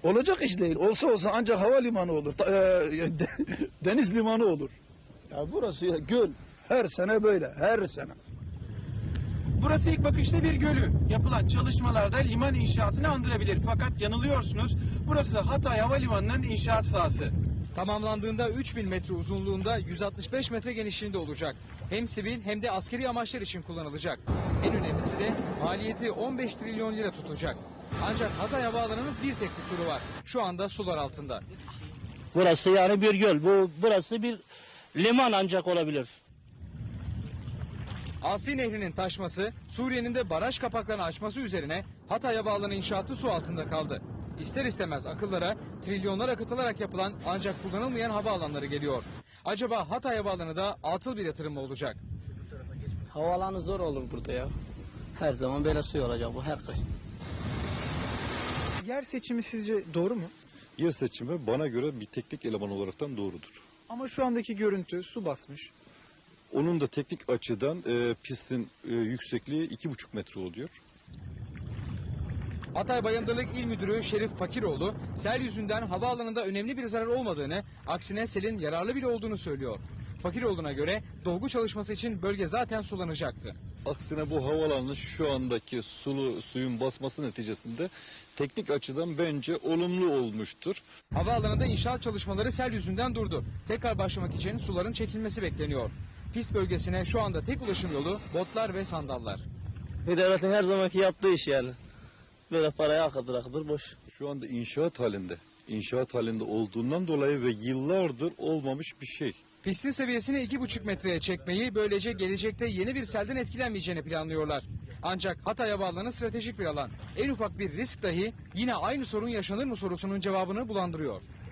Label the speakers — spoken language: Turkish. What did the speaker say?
Speaker 1: Olacak iş değil. Olsa ancak havalimanı olur. Deniz limanı olur. Ya burası ya, göl. Her sene böyle. Her sene.
Speaker 2: Burası ilk bakışta bir gölü. Yapılan çalışmalarda liman inşaatını andırabilir. Fakat yanılıyorsunuz. Burası Hatay Havalimanı'nın inşaat sahası.
Speaker 3: Tamamlandığında 3000 metre uzunluğunda 165 metre genişliğinde olacak. Hem sivil hem de askeri amaçlar için kullanılacak. En önemlisi de maliyeti 15 trilyon lira tutacak. Ancak Hatay Havaalanı'nın bir tek kusuru var. Şu anda sular altında.
Speaker 4: Burası yani bir göl. Burası bir liman ancak olabilir.
Speaker 3: Asi Nehri'nin taşması, Suriye'nin de baraj kapaklarını açması üzerine Hatay Havaalanı inşaatı su altında kaldı. İster istemez akıllara trilyonlar akıtılarak yapılan ancak kullanılmayan havaalanları geliyor. Acaba Hatay Havaalanı da atıl bir yatırım mı olacak?
Speaker 4: Havaalanı zor olur burada ya. Her zaman böyle suyu olacak bu her kış.
Speaker 5: Yer seçimi sizce doğru mu?
Speaker 6: Yer seçimi bana göre bir teknik eleman olaraktan doğrudur.
Speaker 5: Ama şu andaki görüntü su basmış.
Speaker 6: Onun da teknik açıdan pistin yüksekliği 2,5 metre oluyor.
Speaker 3: Hatay Bayındırlık İl Müdürü Şerif Fakiroğlu, sel yüzünden havaalanında önemli bir zarar olmadığını, aksine selin yararlı bile olduğunu söylüyor. Fakiroğlu'na göre dolgu çalışması için bölge zaten sulanacaktı.
Speaker 6: Aksine bu havaalanının şu andaki suyun basması neticesinde teknik açıdan bence olumlu olmuştur.
Speaker 3: Havaalanında inşaat çalışmaları sel yüzünden durdu. Tekrar başlamak için suların çekilmesi bekleniyor. Pist bölgesine şu anda tek ulaşım yolu botlar ve sandallar.
Speaker 4: Devletin her zamanki yaptığı iş yani. Böyle parayı akıtır boş.
Speaker 6: Şu anda inşaat halinde. İnşaat halinde olduğundan dolayı ve yıllardır olmamış bir şey.
Speaker 3: Pistin seviyesini 2,5 metreye çekmeyi, böylece gelecekte yeni bir selden etkilenmeyeceğini planlıyorlar. Ancak Hatay Havaalanı stratejik bir alan. En ufak bir risk dahi yine aynı sorun yaşanır mı sorusunun cevabını bulandırıyor.